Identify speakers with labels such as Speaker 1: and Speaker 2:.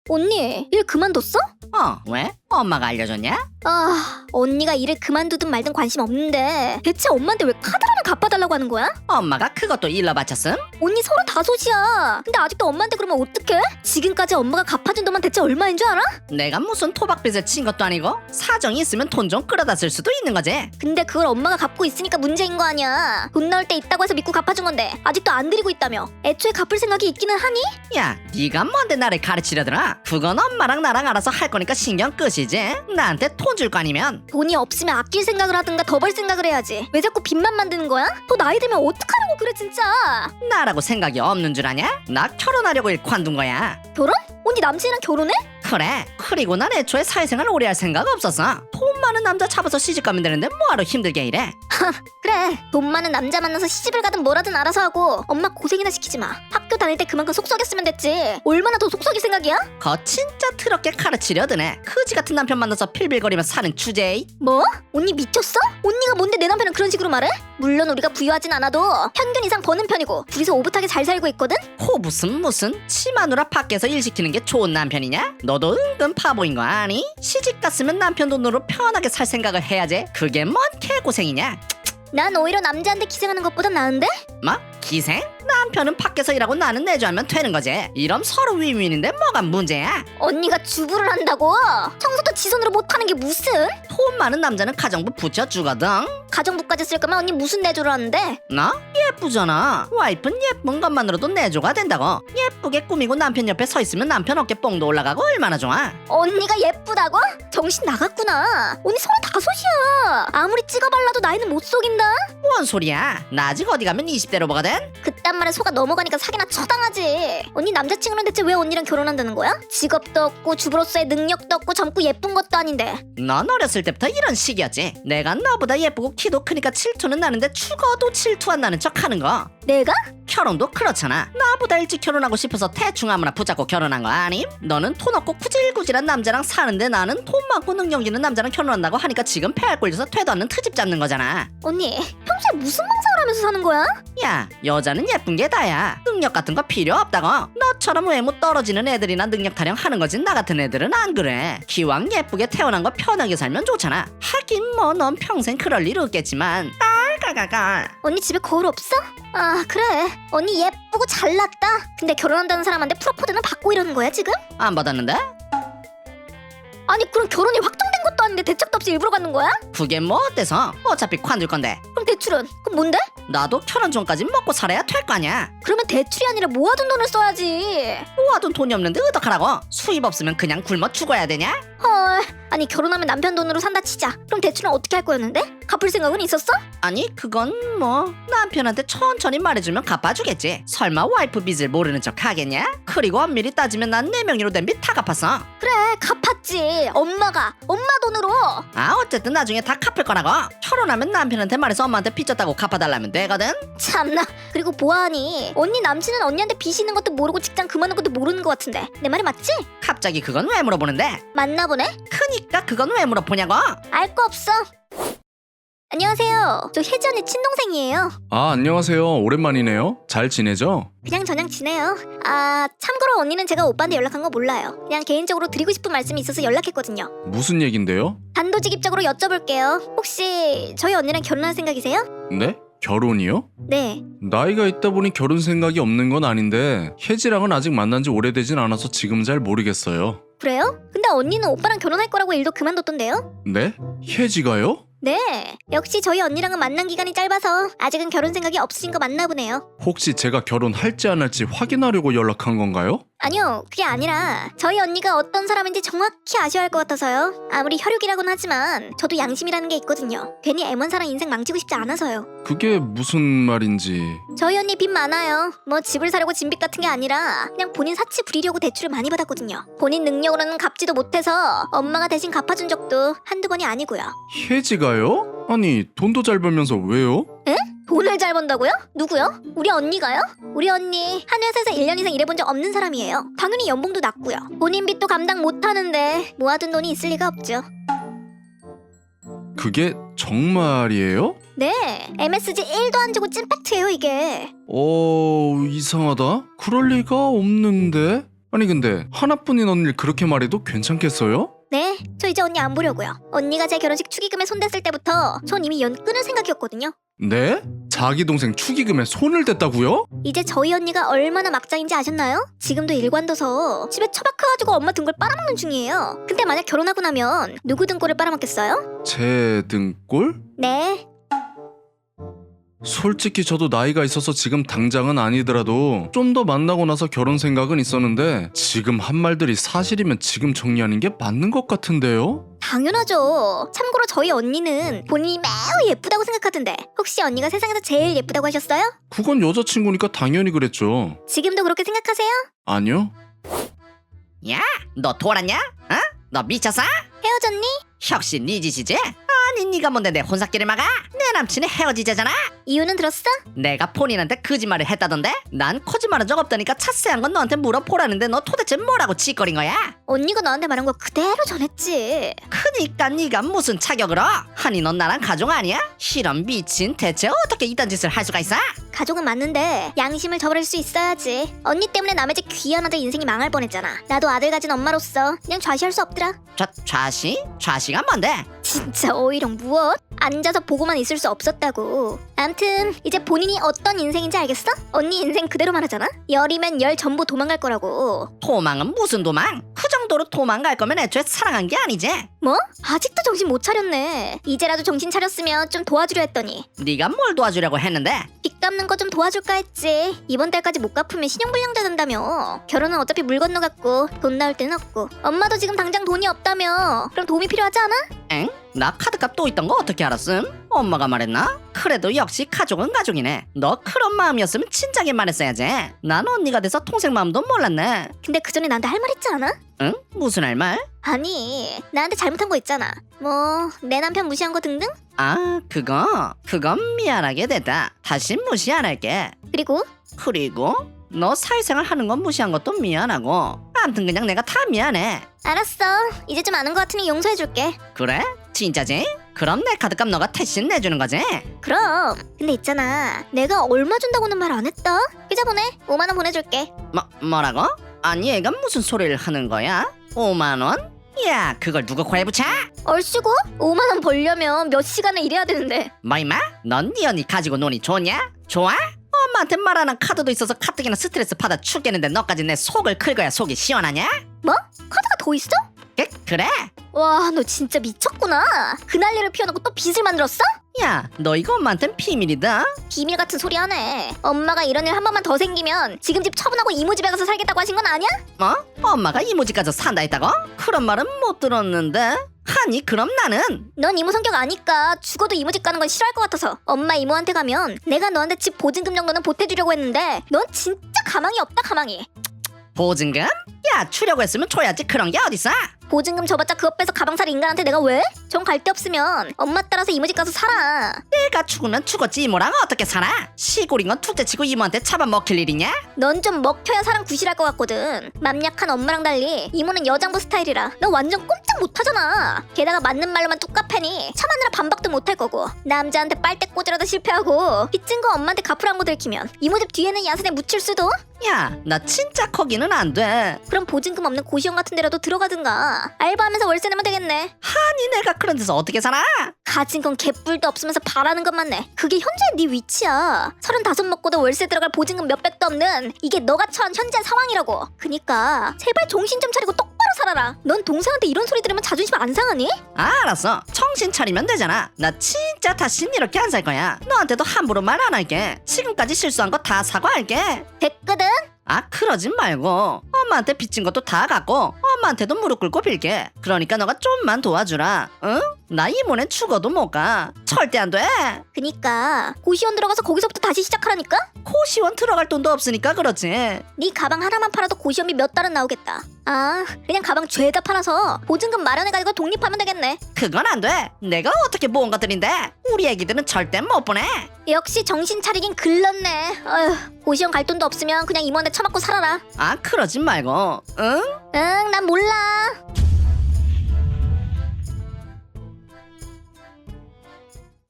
Speaker 1: 언니, 일 그만뒀어?
Speaker 2: 왜? 엄마가 알려줬냐?
Speaker 1: 아, 언니가 일을 그만두든 말든 관심 없는데 대체 엄마한테 왜 카드라면 갚아달라고 하는 거야?
Speaker 2: 엄마가 그것도 일러 바쳤음?
Speaker 1: 언니 35이야. 근데 아직도 엄마한테 그러면 어떡해? 지금까지 엄마가 갚아준 돈만 대체 얼마인 줄 알아?
Speaker 2: 내가 무슨 토박빚을 친 것도 아니고 사정이 있으면 돈 좀 끌어다 쓸 수도 있는 거지.
Speaker 1: 근데 그걸 엄마가 갚고 있으니까 문제인 거 아니야. 돈 나올 때 있다고 해서 믿고 갚아준 건데 아직도 안 드리고 있다며. 애초에 갚을 생각이 있기는 하니?
Speaker 2: 야, 네가 뭔데 나를 가르치려더라? 그건 엄마랑 나랑 알아서 할 거니까 신경 끄시지. 나한테 돈 줄 거 아니면.
Speaker 1: 돈이 없으면 아낄 생각을 하든가 더 벌 생각을 해야지. 왜 자꾸 빚만 만드는 거야? 더 나이 들면 어떡하려고 그래 진짜.
Speaker 2: 나라고 생각이 없는 줄 아냐? 나 결혼하려고 일 관둔 거야.
Speaker 1: 결혼? 언니 남친이랑 결혼해?
Speaker 2: 그래. 그리고 난 애초에 사회생활 오래 할 생각 없었어. 돈 많은 남자 잡아서 시집가면 되는데 뭐하러 힘들게 일해?
Speaker 1: 그래, 돈 많은 남자 만나서 시집을 가든 뭐라든 알아서 하고 엄마 고생이나 시키지 마. 학교 다닐 때 그만큼 속썩였으면 됐지. 얼마나 더 속썩일 생각이야?
Speaker 2: 거 진짜 더럽게 가르치려드네. 그지 같은 남편 만나서 필빌거리며 사는 주제에.
Speaker 1: 뭐? 언니 미쳤어? 언니가 뭔데 내 남편은 그런 식으로 말해? 물론 우리가 부유하진 않아도 평균 이상 버는 편이고 둘이서 오붓하게 잘 살고 있거든?
Speaker 2: 무슨 치마누라 밖에서 일 시키는 게 좋은 남편이냐? 너도 은근 바보인 거 아니? 시집 갔으면 남편 돈으로 편하게 살 생각을 해야지. 그게 뭔 개고생이냐?
Speaker 1: 난 오히려 남자한테 기생하는 것보다 나은데?
Speaker 2: 뭐? 기생? 남편은 밖에서 일하고 나는 내조하면 되는 거지. 이럼 서로 윈윈인데 뭐가 문제야?
Speaker 1: 언니가 주부를 한다고? 청소도 지 손으로 못하는 게 무슨?
Speaker 2: 돈 많은 남자는 가정부 부쳐주거든.
Speaker 1: 가정부까지 쓸 거면 언니 무슨 내조를 하는데?
Speaker 2: 나? 예쁘잖아. 와이프는 예쁜 것만으로도 내조가 된다고. 예쁘게 꾸미고 남편 옆에 서 있으면 남편 어깨 뽕도 올라가고 얼마나 좋아.
Speaker 1: 언니가 예쁘다고? 정신 나갔구나. 언니 35이야. 아무리 찍어발라도 나이는 못 속인다.
Speaker 2: 뭔 소리야? 나 아직 어디 가면 20대로 보거든?
Speaker 1: 그딴 말에 속아 넘어가니까 사기나 쳐당하지. 언니 남자친구는 대체 왜 언니랑 결혼한다는 거야? 직업도 없고 주부로서의 능력도 없고 젊고 예쁜 것도 아닌데.
Speaker 2: 넌 어렸을 때부터 이런 식이었지. 내가 너보다 예쁘고 키도 크니까 질투는 나는데 죽어도 질투 안 나는 척 하는 거.
Speaker 1: 내가?
Speaker 2: 결혼도 그렇잖아. 나보다 일찍 결혼하고 싶어서 대충 아무나 붙잡고 결혼한 거 아님? 너는 돈 없고 구질구질한 남자랑 사는데 나는 돈 많고 능력 있는 남자랑 결혼한다고 하니까 지금 폐활 꼴려서 퇴도 않는 트집 잡는 거잖아.
Speaker 1: 언니 평소에 무슨 망상을 하면서 사는 거야?
Speaker 2: 야, 여자는 예쁜 게 다야. 능력 같은 거 필요 없다고. 너처럼 외모 떨어지는 애들이나 능력 타령 하는 거지 나 같은 애들은 안 그래. 기왕 예쁘게 태어난 거 편하게 살면 좋잖아. 하긴 뭐 넌 평생 그럴 일 없겠지만 깔깔깔깔.
Speaker 1: 언니 집에 거울 없어? 아 그래 언니 예쁘고 잘났다. 근데 결혼한다는 사람한테 프로포즈는 받고 이러는 거야 지금?
Speaker 2: 안 받았는데?
Speaker 1: 아니 그럼 결혼이 확정된 것도 아닌데 대책도 없이 일부러 갖는 거야?
Speaker 2: 그게 뭐 어때서? 어차피 관둘 건데.
Speaker 1: 그럼 대출은? 그럼 뭔데?
Speaker 2: 나도 결혼 전까지 먹고 살아야 될 거 아니야.
Speaker 1: 그러면 대출이 아니라 모아둔 돈을 써야지.
Speaker 2: 모아둔 돈이 없는데 어떡하라고? 수입 없으면 그냥 굶어 죽어야 되냐?
Speaker 1: 헐 아니 결혼하면 남편 돈으로 산다 치자. 그럼 대출은 어떻게 할 거였는데? 갚을 생각은 있었어?
Speaker 2: 아니 그건 뭐 남편한테 천천히 말해주면 갚아주겠지. 설마 와이프 빚을 모르는 척 하겠냐? 그리고 엄밀히 따지면 난 내 명의로 된 빚 다 갚았어.
Speaker 1: 그래 갚았지. 엄마가 엄마 돈으로.
Speaker 2: 아 어쨌든 나중에 다 갚을 거라고. 결혼하면 남편한테 말해서 엄마한테 빚 졌다고 갚아달라면 되거든.
Speaker 1: 참나. 그리고 보아하니 언니 남친은 언니한테 빚 있는 것도 모르고 직장 그만둔 것도 모르는 것 같은데 내 말이 맞지?
Speaker 2: 갑자기 그건 왜 물어보는데?
Speaker 1: 맞나 보네.
Speaker 2: 크니까 그건 왜 물어보냐고?
Speaker 1: 알 거 없어. 안녕하세요. 저 혜지 언니 친동생이에요.
Speaker 3: 아, 안녕하세요. 오랜만이네요. 잘 지내죠?
Speaker 1: 그냥 저냥 지내요. 아 참고로 언니는 제가 오빠한테 연락한 거 몰라요. 그냥 개인적으로 드리고 싶은 말씀이 있어서 연락했거든요.
Speaker 3: 무슨 얘긴데요?
Speaker 1: 단도직입적으로 여쭤볼게요. 혹시 저희 언니랑 결혼할 생각이세요?
Speaker 3: 네? 결혼이요?
Speaker 1: 네.
Speaker 3: 나이가 있다 보니 결혼 생각이 없는 건 아닌데 혜지랑은 아직 만난 지 오래되진 않아서 지금 잘 모르겠어요.
Speaker 1: 그래요? 근데 언니는 오빠랑 결혼할 거라고 일도 그만뒀던데요?
Speaker 3: 네? 혜지가요?
Speaker 1: 네. 역시 저희 언니랑은 만난 기간이 짧아서 아직은 결혼 생각이 없으신 거 맞나 보네요.
Speaker 3: 혹시 제가 결혼할지 안 할지 확인하려고 연락한 건가요?
Speaker 1: 아니요, 그게 아니라 저희 언니가 어떤 사람인지 정확히 아셔야 할 것 같아서요. 아무리 혈육이라고는 하지만 저도 양심이라는 게 있거든요. 괜히 애먼 사람 인생 망치고 싶지 않아서요.
Speaker 3: 그게 무슨 말인지...
Speaker 1: 저희 언니 빚 많아요. 뭐 집을 사려고 진빚 같은 게 아니라 그냥 본인 사치 부리려고 대출을 많이 받았거든요. 본인 능력으로는 갚지도 못해서 엄마가 대신 갚아준 적도 한두 번이 아니고요.
Speaker 3: 혜지가요? 아니, 돈도 잘 벌면서 왜요?
Speaker 1: 돈을 잘 번다고요? 누구요? 우리 언니가요? 우리 언니 한 회사에서 1년 이상 일해본 적 없는 사람이에요. 당연히 연봉도 낮고요. 본인 빚도 감당 못하는데 모아둔 돈이 있을 리가 없죠.
Speaker 3: 그게 정말이에요?
Speaker 1: 네, MSG 1도 안 주고 찐팩트예요 이게.
Speaker 3: 이상하다. 그럴 리가 없는데... 아니 근데 하나뿐인 언니를 그렇게 말해도 괜찮겠어요?
Speaker 1: 네, 저 이제 언니 안 보려고요. 언니가 제 결혼식 축의금에 손댔을 때부터 전 이미 연 끊을 생각이었거든요.
Speaker 3: 네? 자기 동생 축의금에 손을 댔다고요?
Speaker 1: 이제 저희 언니가 얼마나 막장인지 아셨나요? 지금도 일관둬서 집에 처박혀가지고 엄마 등골 빨아먹는 중이에요. 근데 만약 결혼하고 나면 누구 등골을 빨아먹겠어요?
Speaker 3: 제 등골?
Speaker 1: 네,
Speaker 3: 솔직히 저도 나이가 있어서 지금 당장은 아니더라도 좀 더 만나고 나서 결혼 생각은 있었는데 지금 한 말들이 사실이면 지금 정리하는 게 맞는 것 같은데요?
Speaker 1: 당연하죠. 참고로 저희 언니는 본인이 매우 예쁘다고 생각하던데 혹시 언니가 세상에서 제일 예쁘다고 하셨어요?
Speaker 3: 그건 여자친구니까 당연히 그랬죠.
Speaker 1: 지금도 그렇게 생각하세요?
Speaker 3: 아니요?
Speaker 2: 야, 너 돌았냐? 어? 너 미쳤어?
Speaker 1: 헤어졌니?
Speaker 2: 역시 네 짓이지? 아니 네가 뭔데 내 혼사끼를 막아? 내 남친이 헤어지자잖아?
Speaker 1: 이유는 들었어?
Speaker 2: 내가 본인한테 거짓말을 했다던데? 난 거짓말한 적 없다니까 자세한 건 너한테 물어보라는데 너 도대체 뭐라고 짓거린 거야?
Speaker 1: 언니가 나한테 말한 거 그대로 전했지.
Speaker 2: 그니까 네가 무슨 자격으로? 아니 넌 나랑 가족 아니야? 이런 미친 대체 어떻게 이딴 짓을 할 수가 있어?
Speaker 1: 가족은 맞는데 양심을 저버릴 수 있어야지. 언니 때문에 남의 집 귀한 아들 인생이 망할 뻔했잖아. 나도 아들 가진 엄마로서 그냥 좌시할 수 없더라.
Speaker 2: 좌시? 좌시가 뭔데?
Speaker 1: 진짜 어이렁 무엇? 앉아서 보고만 있을 수 없었다고. 암튼 이제 본인이 어떤 인생인지 알겠어? 언니 인생 그대로 말하잖아? 열이면 열 전부 도망갈 거라고.
Speaker 2: 도망은 무슨 도망? 그 정도로 도망갈 거면 애초에 사랑한 게 아니지?
Speaker 1: 뭐? 아직도 정신 못 차렸네. 이제라도 정신 차렸으면 좀 도와주려 했더니
Speaker 2: 네가 뭘 도와주려고 했는데?
Speaker 1: 빚 갚는 거 좀 도와줄까 했지. 이번 달까지 못 갚으면 신용불량자 된다며. 결혼은 어차피 물 건너갔고 돈 나올 때는 없고 엄마도 지금 당장 돈이 없다며. 그럼 도움이 필요하지 않아?
Speaker 2: 엥? 나 카드값 또 있던 거 어떻게 알았음? 엄마가 말했나? 그래도 역시 가족은 가족이네. 너 그런 마음이었으면 진작에 말했어야지. 난 언니가 돼서 동생 마음도 몰랐네.
Speaker 1: 근데 그 전에 나한테 할 말 있지 않아?
Speaker 2: 응? 무슨 할 말?
Speaker 1: 아니 나한테 잘못한 거 있잖아. 뭐 내 남편 무시한 거 등등?
Speaker 2: 아 그건 미안하게 됐다. 다시 무시 안 할게.
Speaker 1: 그리고
Speaker 2: 그리고 너 사회생활 하는 건 무시한 것도 미안하고 아무튼 그냥 내가 다 미안해.
Speaker 1: 알았어. 이제 좀 아는 거 같으니 용서해줄게.
Speaker 2: 그래? 진짜지? 그럼 내 카드값 너가 대신 내주는 거지?
Speaker 1: 그럼. 근데 있잖아. 내가 얼마 준다고는 말 안 했다. 계좌 보내. 5만 원 보내줄게.
Speaker 2: 뭐라고? 아니 얘가 무슨 소리를 하는 거야? 5만 원? 야 그걸 누구 코에 붙여?
Speaker 1: 얼씨구? 5만 원 벌려면 몇 시간을 일해야 되는데.
Speaker 2: 뭐 임마? 넌 네 언니 가지고 노니 좋냐? 좋아? 엄마한테 말하는 카드도 있어서 가뜩이나 스트레스 받아 죽겠는데 너까지 내 속을 긁어야 속이 시원하냐?
Speaker 1: 뭐? 카드가 더 있어?
Speaker 2: 그래?
Speaker 1: 와, 너 진짜 미쳤구나. 그 난리를 피워놓고 또 빚을 만들었어?
Speaker 2: 야 너 이거 엄마한텐 비밀이다.
Speaker 1: 비밀 같은 소리 하네. 엄마가 이런 일 한 번만 더 생기면 지금 집 처분하고 이모 집에 가서 살겠다고 하신 건 아니야?
Speaker 2: 뭐? 엄마가 이모 집 가서 산다 했다고? 그런 말은 못 들었는데. 아니 그럼 나는
Speaker 1: 넌 이모 성격 아니까 죽어도 이모 집 가는 건 싫어할 것 같아서 엄마 이모한테 가면 내가 너한테 집 보증금 정도는 보태주려고 했는데 넌 진짜 가망이 없다 가망이.
Speaker 2: 보증금? 야 주려고 했으면 줘야지. 그런 게 어딨어?
Speaker 1: 보증금 줘봤자 그것 빼서 가방 살 인간한테 내가 왜? 정 갈 데 없으면 엄마 따라서 이모 집 가서 살아.
Speaker 2: 내가 죽으면 죽었지 이모랑 어떻게 살아? 시골인 건 둘째치고 이모한테 잡아먹힐 일이냐?
Speaker 1: 넌 좀 먹혀야 사람 구실할 것 같거든. 맘 약한 엄마랑 달리 이모는 여장부 스타일이라 너 완전 꼼짝 못하잖아. 게다가 맞는 말로만 뚝까패니 참하느라 반박도 못할 거고 남자한테 빨대 꽂으라도 실패하고 빚진 거 엄마한테 갚으란 거 들키면 이모 집 뒤에는 야산에 묻힐 수도.
Speaker 2: 야 나 진짜 거기는 안 돼.
Speaker 1: 그럼 보증금 없는 고시원 같은 데라도 들어가든가. 알바하면서 월세 내면 되겠네.
Speaker 2: 아니 내가 그런 데서 어떻게 살아?
Speaker 1: 가진 건 개뿔도 없으면서 바라는 것만 내. 그게 현재 네 위치야. 35 먹고도 월세 들어갈 보증금 몇백도 없는 이게 너가 처한 현재 상황이라고. 그니까 제발 정신 좀 차리고 똑바로 살아라. 넌 동생한테 이런 소리 들으면 자존심 안 상하니?
Speaker 2: 알았어 정신 차리면 되잖아. 나 진짜 다신 이렇게 안 살 거야. 너한테도 함부로 말 안 할게. 지금까지 실수한 거 다 사과할게.
Speaker 1: 됐거든?
Speaker 2: 아 그러지 말고 엄마한테 빚진 것도 다 갚고 엄마한테도 무릎 꿇고 빌게. 그러니까 너가 좀만 도와주라. 응? 나 이모네 죽어도 못 가. 절대 안 돼.
Speaker 1: 그니까 고시원 들어가서 거기서부터 다시 시작하라니까?
Speaker 2: 고시원 들어갈 돈도 없으니까 그렇지.
Speaker 1: 네 가방 하나만 팔아도 고시원비 몇 달은 나오겠다. 아 그냥 가방 죄다 팔아서 보증금 마련해가지고 독립하면 되겠네.
Speaker 2: 그건 안 돼. 내가 어떻게 모은 것들인데. 우리 애기들은 절대 못 보내.
Speaker 1: 역시 정신 차리긴 글렀네. 어휴, 고시원 갈 돈도 없으면 그냥 이모한테 처맞고 살아라.
Speaker 2: 아 그러지 말고. 응?
Speaker 1: 응, 난 몰라.